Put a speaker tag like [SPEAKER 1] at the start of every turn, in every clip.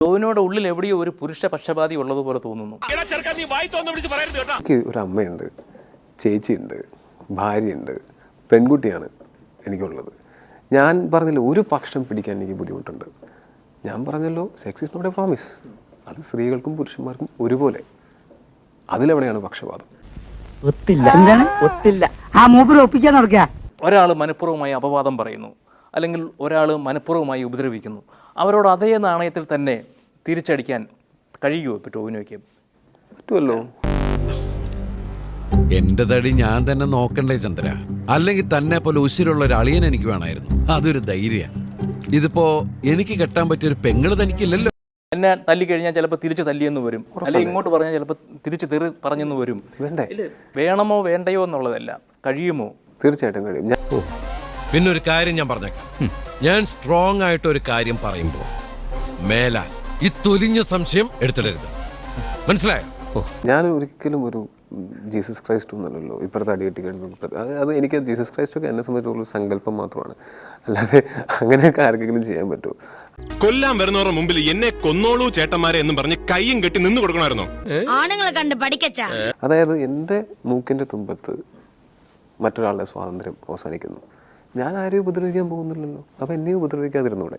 [SPEAKER 1] ടോവിനോട് ഉള്ളിൽ എവിടെയോ ഒരു പുരുഷ പക്ഷപാതി ഉള്ളതുപോലെ തോന്നുന്നു.
[SPEAKER 2] എനിക്ക് ഒരു അമ്മയുണ്ട്, ചേച്ചിയുണ്ട്, ഭാര്യയുണ്ട്, പെൺകുട്ടിയാണ് എനിക്കുള്ളത്. ഞാൻ പറഞ്ഞല്ലോ ഒരു പക്ഷം പിടിക്കാൻ എനിക്ക് ബുദ്ധിമുട്ടുണ്ട്. ഞാൻ പറഞ്ഞല്ലോ sex is not a promise. അത് സ്ത്രീകൾക്കും പുരുഷന്മാർക്കും ഒരുപോലെ. അതിലെവിടെയാണ് പക്ഷപാതം?
[SPEAKER 1] ഒരാൾ മനഃപൂർവ്വമായി അപവാദം പറയുന്നു, അല്ലെങ്കിൽ ഒരാൾ മനഃപൂർവ്വമായി ഉപദ്രവിക്കുന്നു. അവരോട് അതേ നാണയത്തിൽ തന്നെ തിരിച്ചടിക്കാൻ കഴിയുമോ ഇപ്പോൾ ടോവിനോയ്ക്ക്?
[SPEAKER 2] പറ്റുമല്ലോ.
[SPEAKER 3] എന്റെ തടി ഞാൻ തന്നെ നോക്കണ്ടേ ചന്ദ്ര? അല്ലെങ്കിൽ തന്നെ പോലെ ഉശിരുള്ള ഒരു അളിയൻ എനിക്ക് വേണമായിരുന്നു. അതൊരു ധൈര്യ. ഇതിപ്പോ എനിക്ക് കെട്ടാൻ പറ്റിയൊരു പെങ്ങള് തനിക്കില്ലല്ലോ.
[SPEAKER 1] എന്നെ തല്ലി കഴിഞ്ഞാൽ ചിലപ്പോൾ തിരിച്ച് തല്ലിയെന്ന് വരും, അല്ലെങ്കിൽ ഇങ്ങോട്ട് പറഞ്ഞാൽ ചിലപ്പോൾ തിരിച്ച് തെറി പറഞ്ഞെന്ന് വരും.
[SPEAKER 2] വേണ്ടേ?
[SPEAKER 1] വേണമോ വേണ്ടയോ എന്നുള്ളതല്ല, കഴിയുമോ?
[SPEAKER 2] തീർച്ചയായിട്ടും കഴിയും.
[SPEAKER 3] പിന്നെ ഒരു കാര്യം ഞാൻ പറഞ്ഞേക്കാം. ഞാൻ സ്ട്രോങ് ആയിട്ട് ഒരു കാര്യം പറയുമ്പോൾ മേലാൽ ഈ തൊലിഞ്ഞ സംശയം എടുത്തിടരുത്. മനസ്സിലായോ?
[SPEAKER 2] ഞാൻ ഒരിക്കലും ഒരു ജീസസ് ക്രൈസ്റ്റ് ഒന്നല്ലല്ലോ ഇപ്പുറത്തെ അടി കെട്ടി കഴിയുമ്പോൾ. അത് എനിക്ക് ജീസസ് ക്രൈസ്റ്റ് ഒക്കെ എന്നെ സംബന്ധിച്ചുള്ള സങ്കല്പം മാത്രമാണ്. അല്ലാതെ അങ്ങനെയൊക്കെ ആർക്കെങ്കിലും ചെയ്യാൻ പറ്റുമോ?
[SPEAKER 4] കൊല്ലാൻ വരുന്നവരുടെ മുമ്പിൽ എന്നെ കൊന്നോളൂ ചേട്ടന്മാരെ എന്നും പറഞ്ഞ് കയ്യും കെട്ടി നിന്ന് കൊടുക്കണമായിരുന്നോ?
[SPEAKER 5] ആണുങ്ങളെ കണ്ട് പഠിക്കച്ചാ.
[SPEAKER 2] അതായത് എൻ്റെ മൂക്കിൻ്റെ തുമ്പത്ത് മറ്റൊരാളുടെ സ്വാതന്ത്ര്യം അവസാനിക്കുന്നു. ഞാൻ ആരെയും ഉപദ്രവിക്കാൻ പോകുന്നില്ലല്ലോ. അപ്പം എന്നെയും ഉപദ്രവിക്കാതിരുന്നൂടെ?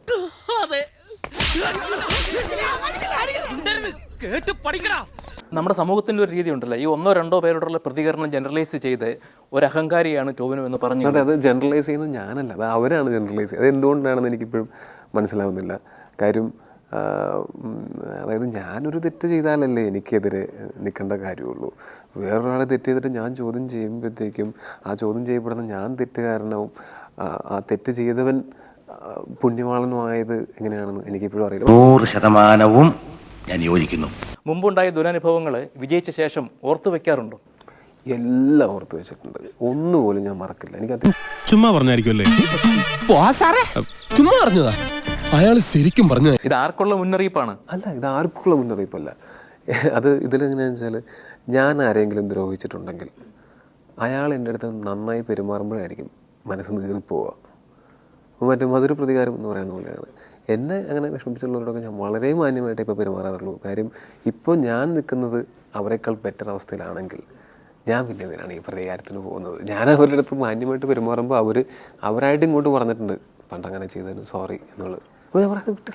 [SPEAKER 1] നമ്മുടെ സമൂഹത്തിൻ്റെ ഒരു രീതി ഉണ്ടല്ലോ, ഈ 1-2 പേരോടുള്ള പ്രതികരണം ജനറലൈസ് ചെയ്ത് ഒരു അഹങ്കാരിയാണ് ടോവിനോ എന്ന് പറഞ്ഞു.
[SPEAKER 2] അതെ, അത് ജനറലൈസ് ചെയ്യുന്നത് ഞാനല്ല, അത് അവരാണ് ജനറലൈസ് ചെയ്യുന്നത്. അത് എന്തുകൊണ്ടാണെന്ന് എനിക്കിപ്പോഴും മനസ്സിലാവുന്നില്ല. കാര്യം അതായത് ഞാനൊരു തെറ്റ് ചെയ്താലല്ലേ എനിക്കെതിരെ നിൽക്കേണ്ട കാര്യമുള്ളൂ. വേറൊരാളെ തെറ്റ് ചെയ്തിട്ട് ഞാൻ ചോദ്യം ചെയ്യുമ്പോഴത്തേക്കും ആ ചോദ്യം ചെയ്യപ്പെടുന്ന ഞാൻ തെറ്റുകാരനാവും, ആ തെറ്റ് ചെയ്തവൻ പുണ്യവാളനുമായത് എങ്ങനെയാണെന്ന് എനിക്കിപ്പോഴും അറിയില്ല.
[SPEAKER 6] 100% ഞാൻ യോജിക്കുന്നു.
[SPEAKER 1] മുമ്പുണ്ടായ ദുരനുഭവങ്ങൾ വിജയിച്ച ശേഷം ഓർത്തു വെക്കാറുണ്ടോ?
[SPEAKER 2] എല്ലാം ഓർത്ത് വെച്ചിട്ടുണ്ട്. ഒന്നുപോലും ഞാൻ മറക്കില്ല. എനിക്കത്
[SPEAKER 4] ചുമ്മാ പറഞ്ഞായിരിക്കുമല്ലേ?
[SPEAKER 7] ചുമ്മാ പറഞ്ഞതാ. അയാൾ ശരിക്കും പറഞ്ഞു.
[SPEAKER 1] ഇത് ആർക്കുള്ള മുന്നറിയിപ്പാണ്?
[SPEAKER 2] അല്ല, ഇത് ആർക്കുള്ള മുന്നറിയിപ്പല്ല. അത് ഇതിലെങ്ങനെയാണെന്ന് വെച്ചാൽ, ഞാൻ ആരെങ്കിലും ദ്രോഹിച്ചിട്ടുണ്ടെങ്കിൽ അയാൾ എൻ്റെ അടുത്ത് നന്നായി പെരുമാറുമ്പോഴായിരിക്കും മനസ്സ് നീറിപ്പോവുക. അതൊരു പ്രതികാരം എന്ന് പറയുന്ന പോലെയാണ്. എന്നെ അങ്ങനെ വിഷമിച്ചുള്ളവരോടൊക്കെ ഞാൻ വളരെ മാന്യമായിട്ട് ഇപ്പോൾ പെരുമാറാറുള്ളൂ. കാര്യം ഇപ്പോൾ ഞാൻ നിൽക്കുന്നത് അവരെക്കാൾ ബെറ്റർ അവസ്ഥയിലാണെങ്കിൽ ഞാൻ പിന്നെ എന്തിനാണ് ഈ പ്രതികാരത്തിന് പോകുന്നത്? ഞാൻ അവരുടെ അടുത്ത് മാന്യമായിട്ട് പെരുമാറുമ്പോൾ അവരായിട്ട് ഇങ്ങോട്ട് പറഞ്ഞിട്ടുണ്ട് പണ്ട് അങ്ങനെ ചെയ്തതിന് സോറി എന്നുള്ളത്. അപ്പോൾ ഞാൻ പറയുന്നത് വിട്ടില്ല.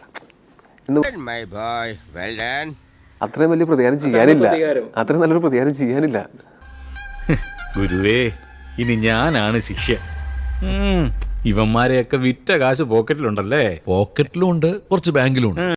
[SPEAKER 2] അത്രയും വലിയ പ്രതികാരം ചെയ്യാനില്ല, അത്രയും നല്ലൊരു പ്രതികാരം ചെയ്യാനില്ല.
[SPEAKER 8] ഗുരുവേ, ഇനി ഞാനാണ് ശിഷ്യ. ഇവന്മാരെയൊക്കെ വിറ്റ കാശ് പോക്കറ്റിലുണ്ടല്ലേ?
[SPEAKER 3] പോക്കറ്റിലും ഉണ്ട്, കുറച്ച് ബാങ്കിലും ഉണ്ട്.